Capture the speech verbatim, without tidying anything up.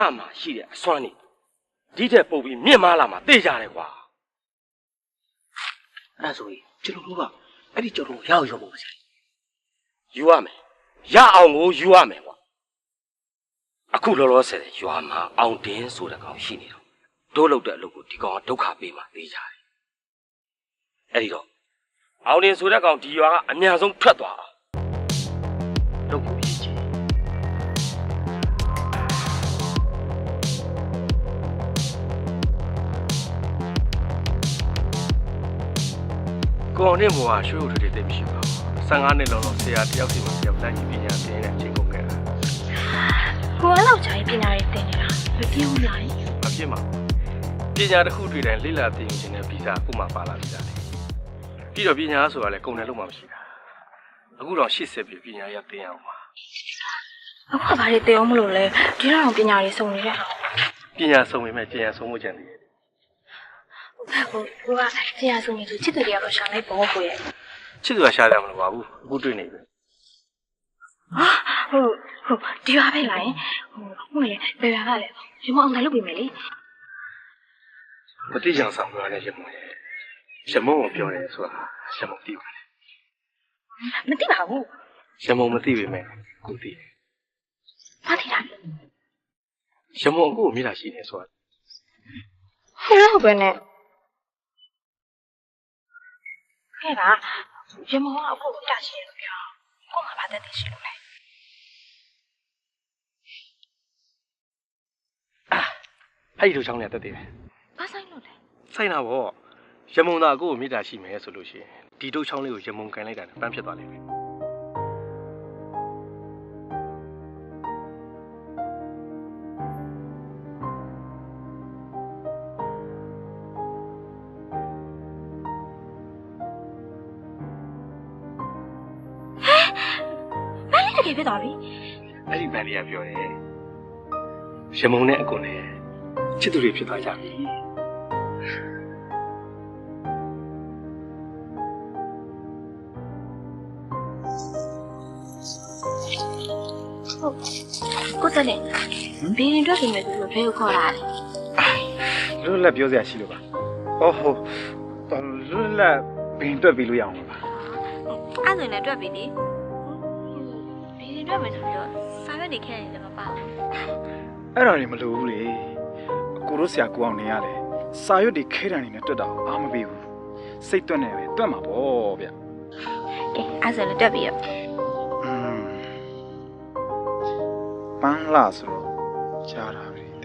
အမှရှိတဲ့အစွမ်းနေဒီတဲ့ပုတ်ပြီးမြင့်မားလာမှသိကြတယ်ကွာအဲ့ဆိုရင်ကျွန်တော်တို့ကအဲ့ဒီကြော်တော့ရအောင်ရုံပါစေယူရမယ်ရအောင်ကိုယူရမယ်ကွာအခုလောလောဆယ်ရွာမှာအောင်တင်းဆိုတဲ့ကောင်ရှိနေတော့တို့လောက်တဲ့အလုပ်ကိုဒီကောင်ကဒုက္ခပေးမှသိကြတယ်အဲ့ဒီတော့အောင်တင်းဆိုတဲ့ကောင်ဒီရွာကအများဆုံးထွက်သွားအောင်လုပ်ကိုရည်ကြီးကောင်နဲ့ဘွားရွှေဦးတွေတိတ်မရှိပါဘူးဆယ်ငါးနှစ်လောက်တော့ဆရာတယောက်စီမှတယောက်တိုင်းပညာသင်တဲ့အချိန်ကုန်ခဲ့တာဟိုအဲ့လောက်ကြာရင်ပညာရေးသင်နေတာမပြည့်ဘူးလားမပြည့်ပါဘူးပညာတစ်ခုတွေ့တိုင်းလေ့လာသင်ယူခြင်းနဲ့ဗီဇာအခုမှပါလာပြီလားပြီးတော့ပညာဆိုတာလည်းကုန်တယ်လို့မှမရှိတာအခုတော့ရှေ့ဆက်ပြီးပညာရသင်ရအောင်ပါအခုကဘာတွေသင်အောင်မလို့လဲဒီတော့ပညာရေးစုံနေတဲ့ပညာစုံပေမဲ့ပညာစုံမှုကြံသေးတယ်ဟိုဟိုကပညာစုံနေသူချစ်သူတွေကတော့ရှာလိုက်ပေါ့ကိုရဲ့ချစ်သူကရှာတယ်မလို့ပါဘူးအခုတွေ့နေပြီဟာဟိုဟိုဒီပါပဲလားဟိုဟိုလေဘယ်ပါကလဲရမအောင်လည်းလုပ်ပေးမယ်လေမတိကျအောင်ဆောင်ပြောရတဲ့ရမုံရဲ့ရမုံကိုပြောတယ်ဆိုတာရမုံသိပါတယ်မသိပါဘူးရမုံမသိပေမဲ့ကိုသိတယ်ဘာသိတာရမုံအခုကိုမြင်တာရှိနေဆိုတာဟုတ်ပဲနဲ့ခဲ့ပါရမုံကအခုကိုတာရှိရလို့ပြောကိုမှဘာသက်သိရှိလို့လဲအဲ့ဒီလိုချောင်းနဲ့တက်သေးတယ်ဘာဆိုင်လို့လဲဆိုင်တာဗောရမုံသားကိုကိုမြစ်တာရှိမယ်ဆိုလို့ရှိရင်ဒီတို့ချောင်းလေးကိုရမုံကန်လိုက်တာနဲ့ပန်းဖြစ်သွားလိမ့်မယ်ဟဲ့မလေးတကယ်ဖြစ်သွားပြီအဲ့ဒီမန်လေးကပြောတယ်ရမုံနဲ့အကွန်နဲ့ချစ်သူတွေဖြစ်သွားကြပြီကိုတက်လေဘီရင်တွက်ပြင်မယ်ဆိုလို့ဘယ်ကိုခေါ်လာလဲလွတ်လပ်ပြောစရာရှိလို့ပါအော်ဟိုလွတ်လပ်ဘင်တွက်ပြီးလို့ရအောင်ပါအဲ့ဆိုရင်လည်းတွက်ပြီးလေဘီရင်တွက်မယ်ဆိုပြီးတော့စာရွက်တွေခက်နေတယ်မပါဘူးအဲ့ဒါတွေမလိုဘူးလေအကိုတို့ဆရာကိုအောင်နေရလေစာရွက်တွေခဲတံနေနဲ့တွက်တာအားမပေးဘူးစိတ်တွက်နေပဲတွက်မှာပေါ့ဗျကဲအဲ့ဆိုလည်းတွက်ပြီးရောပန်းလာဆိုတော့ကြားတာပဲ